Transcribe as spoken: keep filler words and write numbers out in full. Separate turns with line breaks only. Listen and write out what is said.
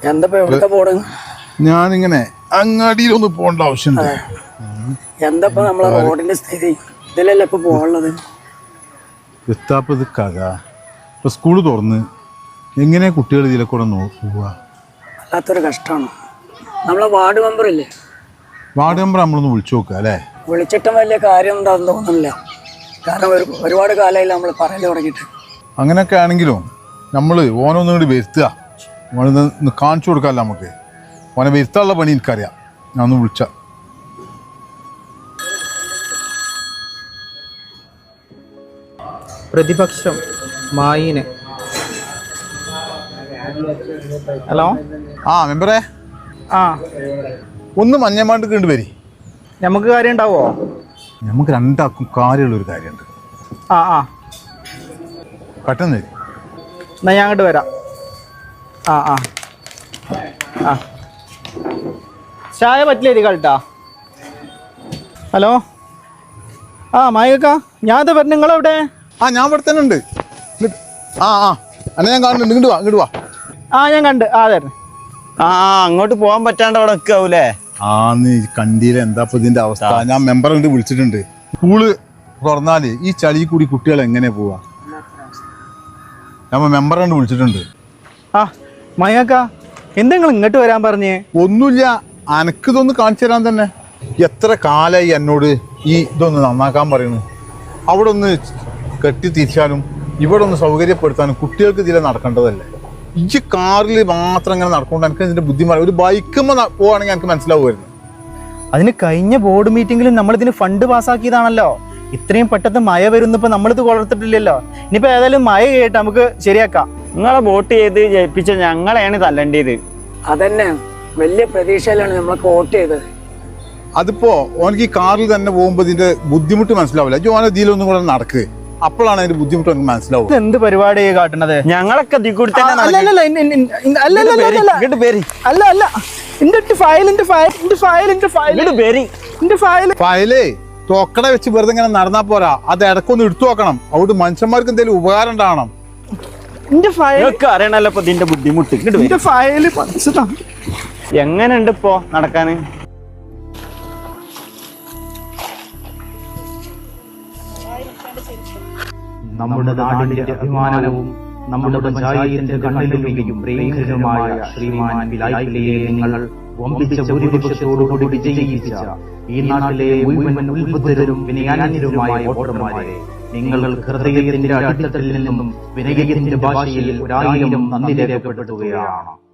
എന്താ എവിടെ പോണ്?
ഞാനിങ്ങനെ അങ്ങാടിയിലൊന്ന് പോകേണ്ട ആവശ്യമുണ്ട്.
എന്താ നമ്മളെ റോഡിന്റെ സ്ഥിതി? ഇതിലല്ലേ ഇപ്പൊ പോകാനുള്ളത്?
എത്താപ്പത് കഥ. ഇപ്പൊ സ്കൂള് തുറന്ന് എങ്ങനെ കുട്ടികൾ ഇതിലെ കൂടെ പോവുക?
വല്ലാത്തൊരു കഷ്ടമാണ്. നമ്മളെ വാർഡ് മെമ്പർ ഇല്ലേ,
വാർഡ് മെമ്പർ നമ്മളൊന്ന് വിളിച്ചു നോക്കുക അല്ലേ?
വിളിച്ചിട്ടും വലിയ കാര്യം എന്താണെന്ന് തോന്നുന്നില്ല. കാരണം ഒരു ഒരുപാട് കാലമായില്ല നമ്മൾ പറയൽ തുടങ്ങിയിട്ട്.
അങ്ങനെയൊക്കെ ആണെങ്കിലും നമ്മൾ ഓനൊന്നും കൂടി വരുത്തുക, ഓനൊന്ന് കാണിച്ചു കൊടുക്കാമല്ലോ നമുക്ക്. ഓനെ വരുത്താനുള്ള പണി എനിക്കറിയാം. ഞാൻ ഒന്ന് വിളിച്ച
പ്രതിപക്ഷം മായിന്. ഹലോ,
ആ മെമ്പറേ,
ആ
ഒന്ന് മഞ്ഞമാണ്ട് കണ്ടു വരി.
നമുക്ക് കാര്യം ഉണ്ടാവോ?
നമുക്ക് രണ്ടാക്കും കാര്യമുള്ളൊരു കാര്യമുണ്ട്.
ആ ആ
പെട്ടെന്ന് വരി.
എന്നാ ഞാൻ അങ്ങോട്ട് വരാം. ആ ആ ആ ചായ പറ്റില്ല കളിട്ടാ. ഹലോ, ആ മായിക, ഞാൻ പറഞ്ഞു. നിങ്ങളെവിടെ?
ആ ഞാൻ ഇവിടെ തന്നെ ഉണ്ട്. ആ ആ അന്നെ ഞാൻ കാണുന്നുണ്ട്. ഇങ്ങോട്ട് വാ, ഇങ്ങോട്ട് വാ.
ആ ഞാൻ കണ്ട്. ആ അതെ.
ആ അങ്ങോട്ട് പോകാൻ പറ്റാണ്ട് അവിടെ നിൽക്കാവൂലേ?
ആ നീ കണ്ടില്ല എന്താ ഇപ്പൊ ഇതിന്റെ അവസ്ഥ? ഞാൻ മെമ്പറെ കൊണ്ട് വിളിച്ചിട്ടുണ്ട്. സ്കൂള് തുറന്നാല് ഈ ചളി കൂടി കുട്ടികൾ എങ്ങനെ പോവാ? ഞാൻ മെമ്പറെ കൊണ്ട് വിളിച്ചിട്ടുണ്ട്.
ആ മായിക, എന്താ നിങ്ങൾ ഇങ്ങോട്ട് വരാൻ പറഞ്ഞേ?
ഒന്നുമില്ല, അനക്ക് ഇതൊന്ന് കാണിച്ചു തരാൻ തന്നെ. എത്ര കാലായി എന്നോട് ഈ ഇതൊന്ന് നന്നാക്കാൻ പറയുന്നു. അവിടെ ഒന്ന് കെട്ടി തിരിച്ചാലും ഇവിടെ ഒന്ന് സൗകര്യപ്പെടുത്താനും കുട്ടികൾക്ക് ഇതിലെ നടക്കേണ്ടതല്ലേ? ഈ കാറിൽ മാത്രം ഇങ്ങനെ നടക്കൊണ്ട് എനിക്ക് ഇതിന്റെ ബുദ്ധിമുട്ട്. ഒരു ബൈക്കുമ്പോൾ പോവാണെങ്കിൽ എനിക്ക് മനസ്സിലാവുമായിരുന്നു.
അതിന് കഴിഞ്ഞ ബോർഡ് മീറ്റിംഗിലും നമ്മളിതിന് ഫണ്ട് പാസ്സാക്കിയതാണല്ലോ. ഇത്രയും പെട്ടെന്ന് മഴ വരുന്നപ്പോ നമ്മളിത് കൊളർത്തിട്ടില്ലല്ലോ. ഇനിയിപ്പോ ഏതായാലും മഴ കേട്ട് നമുക്ക് ശരിയാക്കാം.
നിങ്ങളെ വോട്ട് ചെയ്ത് ജയിപ്പിച്ച ഞങ്ങളെയാണ് തല്ലേണ്ടത്.
അതന്നെ, വലിയ പ്രതീക്ഷയിലാണ് നമ്മളൊക്കെ വോട്ട് ചെയ്തത്.
അതിപ്പോ ഓനക്ക് ഈ കാറിൽ തന്നെ പോകുമ്പോ ഇതിന്റെ ബുദ്ധിമുട്ട് മനസ്സിലാവില്ല. ജോന ഇതിലൊന്നും കൂടെ നടക്ക്, അപ്പോഴാണ് അതിന്റെ ബുദ്ധിമുട്ട് എനിക്ക് മനസ്സിലാവും.
എന്ത് പരിപാടി കാട്ടണത്?
ഞങ്ങളൊക്കെ
അല്ല അല്ല,
ഫയലേ തോക്കട വെച്ച് വെറുതെ ഇങ്ങനെ നടന്നാ പോരാ, അത് ഇടക്കൊന്ന് എടുത്തു നോക്കണം. അവിടെ മനുഷ്യന്മാർക്ക് എന്തെങ്കിലും ഉപകാരം ഉണ്ടാവണം.
അറിയണല്ലോ ഇപ്പൊ ഇതിന്റെ ബുദ്ധിമുട്ട്. എങ്ങനെയുണ്ട് ഇപ്പോ നടക്കാന്?
നമ്മുടെ നാടിന്റെ അഭിമാനവും നമ്മുടെ പഞ്ചായത്തിന്റെ കണ്ണിലുമിയും പ്രിയങ്കരനുമായ ശ്രീമാൻ ബിലായിലെ നിങ്ങൾ വമ്പിച്ച ഭൂരിപക്ഷത്തോടുകൂടി വിജയിപ്പിച്ച ഈ നാട്ടിലെ മുഴുവൻ ഉത്ബുദ്ധരും വിനയാന്യരുമായ വോട്ടർമാരെ, നിങ്ങൾ ഹൃദയത്തിന്റെ അടിത്തട്ടിൽ നിന്നും വിനയത്തിന്റെ ഭാഷയിൽ ഒരായിരം നന്ദി രേഖപ്പെടുത്തുകയാണ്.